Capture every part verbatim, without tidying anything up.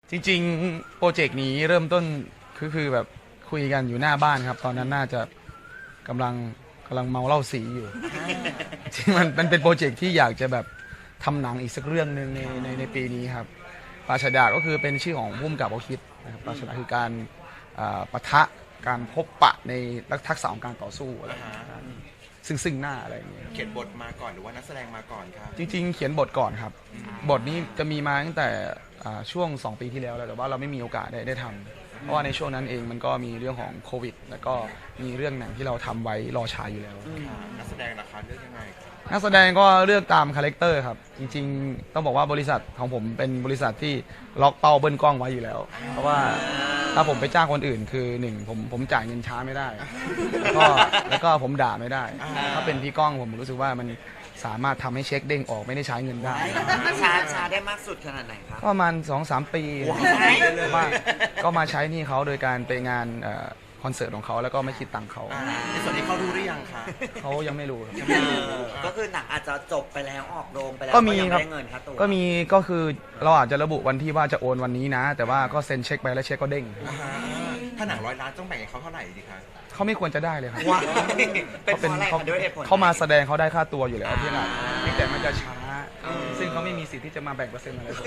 จริงๆโปรเจกต์นี้เริ่มต้นคือคือแบบคุยกันอยู่หน้าบ้านครับตอนนั้นน่าจะกำลังกำลังเมาเหล้าสีอยู่จริงมันมันเป็นโปรเจกต์ที่อยากจะแบบทำหนังอีกสักเรื่องหนึ่งในในในปีนี้ครับปราชญ์ดาก็คือเป็นชื่อของพุ่มกับเขาคิดนะครับปราชญ์ดาคือการปะทะการพบปะในทักษะของการต่อสู้อะไรซึ่งซึ่งหน้าอะไรอย่างเงี้ยเขียนบทมาก่อนหรือว่านักแสดงมาก่อนครับจริงๆเขียนบทก่อนครับบทนี้จะมีมาตั้งแต่ช่วงสองปีที่แล้วแต่ว่าเราไม่มีโอกาสได้ได้ทำเพราะว่าในช่วงนั้นเองมันก็มีเรื่องของโควิดแล้วก็มีเรื่องหนังที่เราทำไว้รอฉายอยู่แล้วนักแสดงราคาเลือกยังไงนักแสดงก็เลือกตามคาแรคเตอร์ครับจริงๆต้องบอกว่าบริษัทของผมเป็นบริษัทที่ล็อกเป้าเบิ้ลกล้องไว้อยู่แล้วเพราะว่าถ้าผมไปจ้างคนอื่นคือหนึ่งผมผมจ่ายเงินช้าไม่ได้แล้วก็แล้วก็ผมด่าไม่ได้ถ้าเป็นพี่ก้องผมรู้สึกว่ามันสามารถทำให้เช็คเด้งออกไม่ได้ใช้เงินได้ช้าช้าได้มากสุดขนาดไหนครับประมาณ สองสาม ปีว่าก็มาใช้นี่เขาโดยการไปงานคอนเสิร์ตของเขาแล้วก็ไม่คิดตังค์เขาในส่วนนี้เขารู้หรือยังคะเขายังไม่รู้ยังไม่รู้ก็คือหนังอาจจะจบไปแล้วออกโรงไปแล้วก็มีครับเงินครับตัวก็มีก็คือเราอาจจะระบุวันที่ว่าจะโอนวันนี้นะ แต่ว่าก็เซ็นเช็คไปแล้วเช็คก็เด้งถ้าหนังร้อยล้านต้องแบ่งให้เขาเท่าไหร่ดีคะเขาไม่ควรจะได้เลยครับเขาเป็นเขาเขามาแสดงเขาได้ค่าตัวอยู่แล้วพี่นะเพียงแต่มันจะช้าซึ่งเขาไม่มีสิทธิ์ที่จะมาแบ่งเปอร์เซ็นต์อะไรผม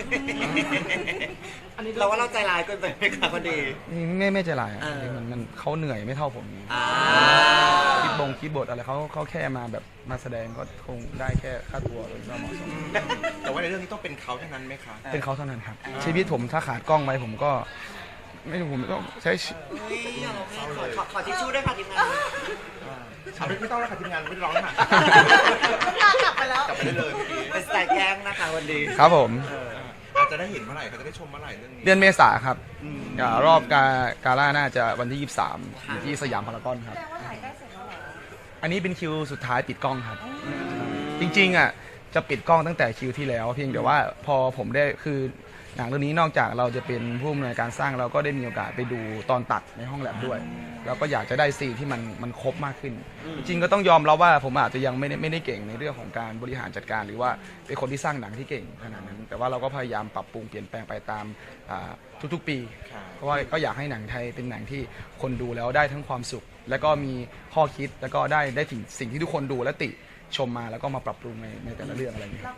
เราว่าเราใจร้ายเกินไปไหมครับพอดีไม่ไม่ใจร้ายมันมันเขาเหนื่อยไม่เท่าผมคิดบงคิดบทอะไรเขาเขาแค่มาแบบมาแสดงก็คงได้แค่ค่าตัวโดยเหมาะสมแต่ว่าในเรื่องนี้ต้องเป็นเขาเท่านั้นไหมคะเป็นเขาเท่านั้นครับชีวิตผมถ้าขาดกล้องไปผมก็ไม่รู้ผมก็ใช้ขอทิชชู่ด้วยค่ะทีมงานเอาไม่ต้องแล้วค่ะทีมงานไม่ร้องค่ะกลับไปแล้วกลับไปได้เลยเป็นสไตล์แกงนะคะวันดีครับผมอาจจะได้เห็นเมื่อไหร่เขาจะได้ชมเมื่อไหร่เรื่องนี้เดือนเมษาครับรอบกากาล่าน่าจะวันที่ยี่สิบสามที่สยามพารากอนครับอันนี้เป็นคิวสุดท้ายปิดกล้องครับจริงๆอ่ะจะปิดกล้องตั้งแต่คิวที่แล้วเพียงแต่ว่าพอผมได้คือหนังเรื่องนี้นอกจากเราจะเป็นผู้อำนวยการสร้างเราก็ได้มีโอกาสไปดูตอนตัดในห้องแลบด้วยแล้วก็อยากจะได้ซีนที่มันมันครบมากขึ้นจริงๆก็ต้องยอมรับว่าผมอาจจะยังไม่ได้ไม่ได้เก่งในเรื่องของการบริหารจัดการหรือว่าเป็นคนที่สร้างหนังที่เก่งขนาดนั้นแต่ว่าเราก็พยายามปรับปรุงเปลี่ยนแปลงไปตามทุกๆปีเพราะว่าก็อยากให้หนังไทยเป็นหนังที่คนดูแล้วได้ทั้งความสุขแล้วก็มีข้อคิดแล้วก็ได้ได้ถึงสิ่งที่ทุกคนดูและติชมมาแล้วก็มาปรับปรุงในในแต่ละเรื่องอะไรอย่างเงี้ย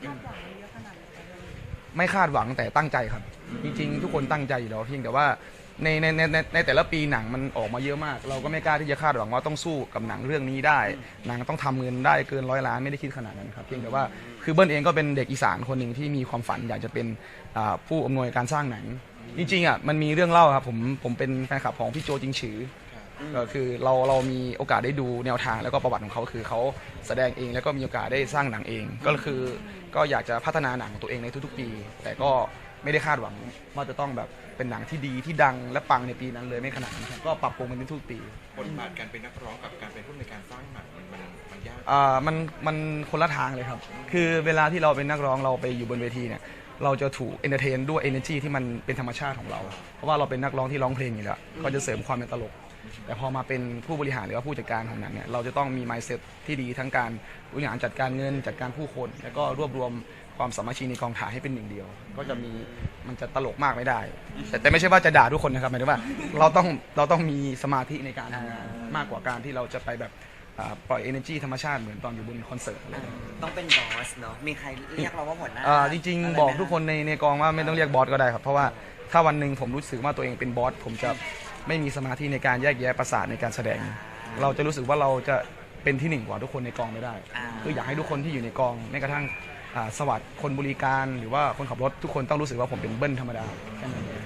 ไม่คาดหวังแต่ตั้งใจครับจริงๆทุกคนตั้งใจอยู่แล้วเพียงแต่ว่าในในในในแต่ละปีหนังมันออกมาเยอะมากเราก็ไม่กล้าที่จะคาดหวังว่าต้องสู้กับหนังเรื่องนี้ได้หนังต้องทำเงินได้เกินร้อยล้านไม่ได้คิดขนาดนั้นครับเพียงแต่ว่าคือเบิ้ลเองก็เป็นเด็กอีสานคนหนึ่งที่มีความฝันอยากจะเป็นผู้อำนวยการสร้างหนังจริงๆอ่ะมันมีเรื่องเล่าครับผมผมเป็นแฟนคลับของพี่โจจิงฉือก็คือเราเรามีโอกาสได้ดูแนวทางแล้วก็ประวัติของเขาคือเขาแสดงเองแล้วก็มีโอกาสได้สร้างหนังเองก็คือก็อยากจะพัฒนาหนังของตัวเองในทุกๆปีแต่ก็ไม่ได้คาดหวังว่าจะต้องแบบเป็นหนังที่ดีที่ดังและปังในปีนั้นเลยไม่ขนาดนั้นก็ปรับปรุงมันทุกปีบทบาทการเป็นนักร้องกับการเป็นผู้ในการสร้างหนังมันมันยากอ่ามันมันคนละทางเลยครับคือเวลาที่เราเป็นนักร้องเราไปอยู่บนเวทีเนี่ยเราจะถูกเอนเตอร์เทนด้วย energy ที่มันเป็นธรรมชาติของเราเพราะว่าเราเป็นนักร้องที่ร้องเพลงอยู่แล้วก็จะเสริมความเป็นตลกแต่พอมาเป็นผู้บริหารหรือว่าผู้จัดการของหนังเนี่ยเราจะต้องมี mindset ที่ดีทั้งการบริหารจัดการเงินจัดการผู้คนแล้วก็รวบรวมความสามัคคีในกองถ่ายให้เป็นหนึ่งเดียวก็จะมีมันจะตลกมากไม่ได้แต่แต่ไม่ใช่ว่าจะด่าทุกคนนะครับหมายถึงว่าเราต้องเราต้องมีสมาธิในการทำงานมากกว่าการที่เราจะไปแบบปล่อย energy ธรรมชาติเหมือนตอนอยู่บนคอนเสิร์ตต้องเป็นบอสเนาะมีใครเรียกเราว่าหัวหน้าจริงๆบอกทุกคนในในกองว่าไม่ต้องเรียกบอสก็ได้ครับเพราะว่าถ้าวันหนึ่งผมรู้สึกว่าตัวเองเป็นบอสผมจะไม่มีสมาธิในการแยกแยะประสาทในการแสดงเราจะรู้สึกว่าเราจะเป็นที่หนึ่งกว่าทุกคนในกองไม่ได้คืออยากให้ทุกคนที่อยู่ในกองแม้กระทั่งสวัสดิ์คนบริการหรือว่าคนขับรถทุกคนต้องรู้สึกว่าผมเป็นเบิ้ลธรรมดาแค่นั้นเอง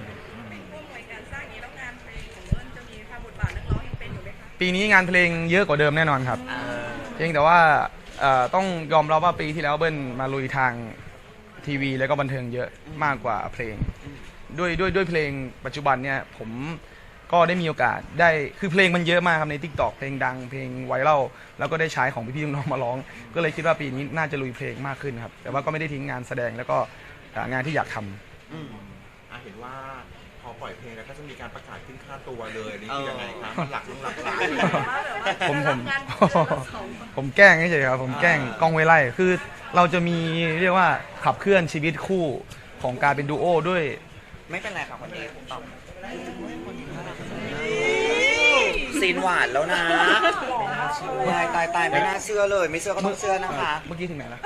ปีนี้งานเพลงเยอะกว่าเดิมแน่นอนครับเพียงแต่ว่าต้องยอมรับว่าปีที่แล้วเบิ้ลมาลุยทางทีวีแล้วก็บันเทิงเยอะมากกว่าเพลงด้วยด้วยด้วยเพลงปัจจุบันเนี่ยผมก็ได้มีโอกาสได้คือเพลงมันเยอะมากครับใน ทิกตอก เพลงดังเพลงไวรัลแล้วก็ได้ใช้ของพี่ๆน้องๆมาร้องก็เลยคิดว่าปีนี้น่าจะลุยเพลงมากขึ้นครับแต่ว่าก็ไม่ได้ทิ้งงานแสดงแล้วก็งานที่อยากทำอืมเห็นว่าพอปล่อยเพลงแล้วก็จะมีการประกาศขึ้นค่าตัวเลยนี่คือยังไงครับหลักหลักหลักผมผมผมแกล้งเฉยๆครับผมแกล้งกล้องไว้ไล่คือเราจะมีเรียกว่าขับเคลื่อนชีวิตคู่ของการเป็นดูโอด้วยไม่เป็นไรครับคนนี้ตอบซีนหวานแล้วนะตายตายตายไม่น่าเชื่อเลย ไม่เชื่อก็ต้องเชื่อนะคะเมื่อกี้ถึงไหนละ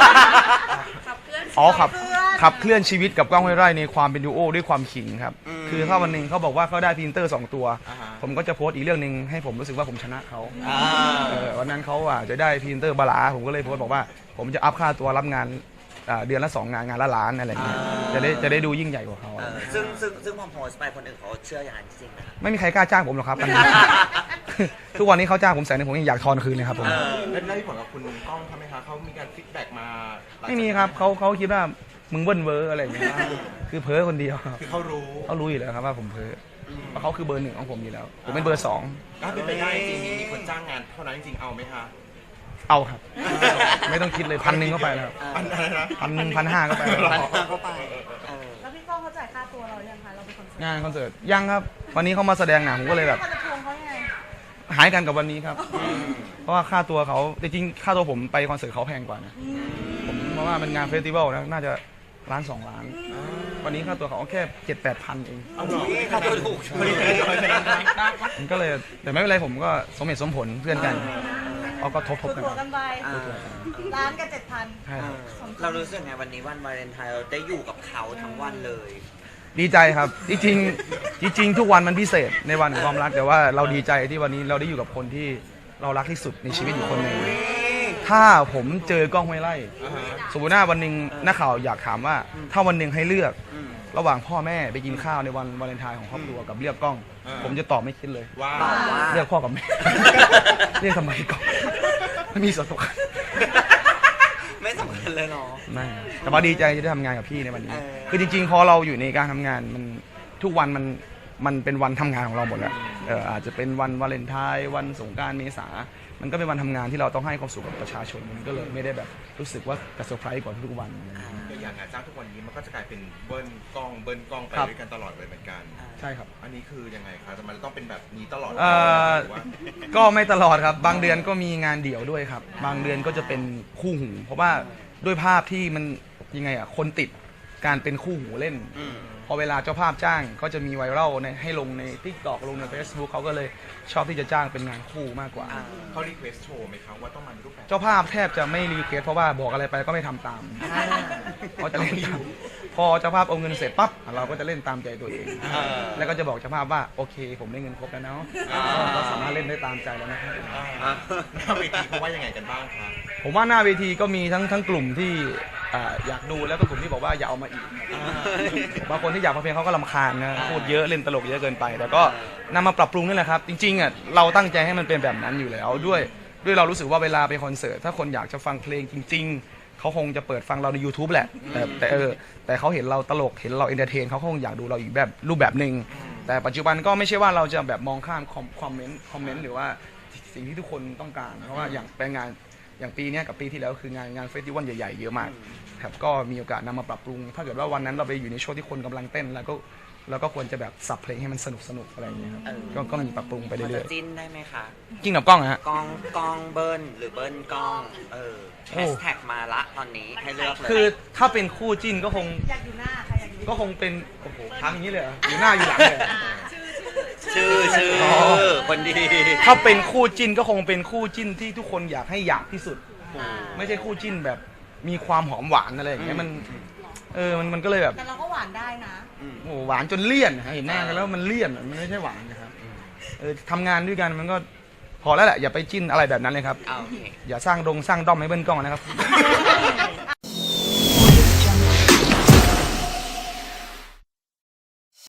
อ๋อขับขับเคลื่อนชีวิตกับกล้องห้วยไร่ในความเป็นดูโอด้วยความขิงครับ คือถ้าวันหนึ่งเขาบอกว่าเขาได้พรีเซนเตอร์สองตัวอ่าฮะผมก็จะโพสต์อีกเรื่องหนึ่งให้ผมรู้สึกว่าผมชนะเขาอ่าเออวันนั้นเขาอ่ะจะได้พรีเซนเตอร์บาลาผมก็เลยโพสต์บอกว่า ผมจะอัพค่าตัวรับงานอ่าเดือนละสองงานงานละล้านอะไรอย่างเงี้ยจะได้จะได้ดูยิ่งใหญ่กว่าเขาเออซึ่งซึ่งซึ่งพอโพสต์ไปคนอื่นเขาเชื่ออย่างนั้นจริงนะไม่มีใครกล้าจ้างผมหรอกครับ ทุกวันนี้เขาจ้างผมแสนหนึงผมยังอยากทอนคืนเลยครับผมเออแล้วได้ผลกับคุณก้องทำไหมคะเขามีการฟีดแบ็กมาหลังจากไม่มีครับเขาเขาคิดว่ามึงเบิ้ลเวอร์อะไรอย่างเงี้ยคือเพ้อคนเดียวคือเขารู้เขารู้อยู่แล้วครับว่าผมเพ้อเพราะเขาคือเบอร์หนึ่งของผมอยู่แล้ว ผมเป็นเบอร์สองถ้าเป็นไปได้จริงๆมีคนจ้างงานเท่านั้นจริงๆเอาไหมคะเอาครับ ไม่ต้องคิดเลยพันหนึ่งเข้าไปแล้วครับอันอะไรนะพันหนึ่งพันห้าเข้าไปแล้วพันห้าเข้าไปเออแล้วพี่ก้องเขาจ่ายค่าตัวเรายังคะเราเป็นคนเสิร์ฟงานคอนเสิร์ตยังครับ วันนี้เขามาแสดงหนังผมก็เลยแบบเขาจะทวงเขายังไงหายกันกับวันนี้ครับ เพราะว่าค่าตัวเขาจริงๆค่าตัวผมไปคอนเสิร์ตเขาแพงกว่านะผมเพราะว่ามันงานเฟสติวัลนะน่าจะล้านสองล้าน วันนี้ค่าตัวเขาแค่เจ็ดแปดพันเองเอาหรอค่าตัวถูกมันก็เลยแต่ไม่เป็นไรผมก็สมเหตุสมผลเพื่อนกันเอาก็ทบทบกันตัวกันไปอ่าร้านกันเจ็ดพันใช่เอครับอเรารู้สึกไงวันนี้วันวาเลนไทน์เราได้อยู่กับเขาทั้งวันเลยดีใจครับ จริงๆจริงๆทุกวันมันพิเศษในวันของความรักแต่ว่าเราดีใจที่วันนี้เราได้อยู่กับคนที่เรารักที่สุดในชีวิตอยู่คนหนึ่งถ้าผมเจอกล้องห้วยไร่อ่าฮะสมมติว่าวันหนึ่งนักข่าวอยากถามว่า ถ้าวันหนึ่งให้เลือกอืมระหว่างพ่อแม่ไปกินข้าวในวันวาเลนไทน์ของครอบครัวกับเลือกกล้อง ผมจะตอบไม่คิดเลยว่าตอบว่าเลือกพ่อกับแม่ เรียกทำไมกล้องไม่มีส่วนสำคัญไม่สำคัญเลยเนาะไม่แต่ว่าดีใจที่ได้ทำงานกับพี่ในวันนี้เออคือจริงๆ พอเราอยู่ในการทำงานมันทุกวันมันมันเป็นวันทำงานของเราหมดแล้วเอออาจจะเป็นวันวาเลนไทน์วันสงกรานต์เมษา มันก็เป็นวันทำงานที่เราต้องให้ความสุขกับประชาชนมันก็เลยไม่ได้แบบรู้สึกว่าจะเซอร์ไพรส์กว่าทุกๆวันอย่างงานจ้างทุกวันนี้มันก็จะกลายเป็นเบิ้ลกล้องเบิ้ลกล้องไปครับด้วยกันตลอดเลยเหมือนกันใช่ครับอันนี้คือยังไงคะแต่มันต้องเป็นแบบนี้ตลอดเอ่อหรือว่าก็ไม่ตลอดครับ บางเดือนก็มีงานเดี่ยวด้วยครับ บางเดือนก็จะเป็นคู่หู เพราะว่าด้วยภาพที่มันยังไงอ่ะคนติดการเป็นคู่หูเล่นอืมพอเวลาเจ้าภาพจ้างก็จะมีไวรัลในให้ลงใน ทิกตอก ลงใน เฟซบุ๊ก เขาก็เลยชอบที่จะจ้างเป็นงานคู่มากกว่าอ่าเขารีเควสโชว์ไหมครับว่าต้องมาในรูปแบบเจ้าภาพแทบจะไม่รีเควสเพราะว่าบอกอะไรไปก็ไม่ทำตามเขาจะเล่นตามพอเจ้าภาพเอาเงินเสร็จปั๊บเราก็จะเล่นตามใจตัวเองเออแล้วก็จะบอกเจ้าภาพว่าโอเค ผมได้เงินครบแล้วเนาะอ่าก็สามารถเล่นได้ตามใจแล้วนะครับอ่าหน้าเวทีเขาว่ายังไงกันบ้างคะผมว่าหน้าเวทีก็มีทั้งทั้งกลุ่มที่อ่าอยากดูแล้วก็กลุ่มที่บอกว่าอย่าเอามาอีกบางคนที่อยากฟังเพลงเขาก็รำคาญนะพูดเยอะเล่นตลกเยอะเกินไป แต่ก็นำมาปรับปรุงนี่แหละครับ จริงๆอ่ะเราตั้งใจให้มันเป็นแบบนั้นอยู่แล้วด้วยด้วยเรารู้สึกว่าเวลาไปคอนเสิร์ตถ้าคนอยากจะฟังเพลงจริง ๆเขาคงจะเปิดฟังเราใน YouTube แหละ แต่แต่เออแต่เขาเห็นเราตลกเห็นเราเอนเตอร์เทนเขาคงอยากดูเราอีกแบบรูปแบบหนึ่งแต่ปัจจุบันก็ไม่ใช่ว่าเราจะแบบมองข้ามคอมเมนต์คอมเมนต์หรือว่าสิ่งที่ทุกคนต้องการเพราะว่าอย่างไปงานอย่างปีเนี้ยกับปีที่แล้วคืองานงานเฟสติวัลใหญ่ๆเยอะมากครับก็มีโอกาสนำมาปรับปรุง ถ้าเกิดว่าวันนั้นเราไปอยู่ในช่วงที่คนกำลังเต้นแล้วก็แล้วก็ควรจะแบบสับเพลงให้มันสนุกสนุกอะไรอย่างเงี้ยครับเออก็ก็มีปรับปรุงไปมันเรื่จะอยจิ้นได้ไหมคะๆจริงกับกล้องอะฮะกล้องกล้องเบิ้ลหรือเบิ้ลกล้อง เออโอ้แฮชแท็กมาละตอนนี้ให้เลือกเลยคือถ้าเป็นคู่จิ้นก็คงอยากอยู่หน้าใครอยากอยู่ก็คงเป็นโอ้โหทำอย่างนี้เลยเหรออยู่หน้าอยู่หลังเลยเหรอชื่อชื่ออ๋อคนดีถ้าเป็นคู่จิ้นก็คงเป็นคู่จิ้นที่ทุกคนอยากให้อยากที่สุด ไม่ใช่คู่จิ้นแบบมีความหอมหวานอะไรอย่างเงี้ยมันเออมันมันก็เลยแบบแต่เราก็หวานได้นะโอ้โหหวานจนเลี่ยนนะฮะเห็นหน้ากันแล้วมันเลี่ยนอะมันไม่ใช่หวานนะครับเออทำงานด้วยกันมันก็พอแล้วแหละอย่าไปจิ้นอะไรแบบนั้นเลยครับเอาโอเคอย่าสร้างดงสร้างด้อมให้เบิ้ลกล้องนะครับ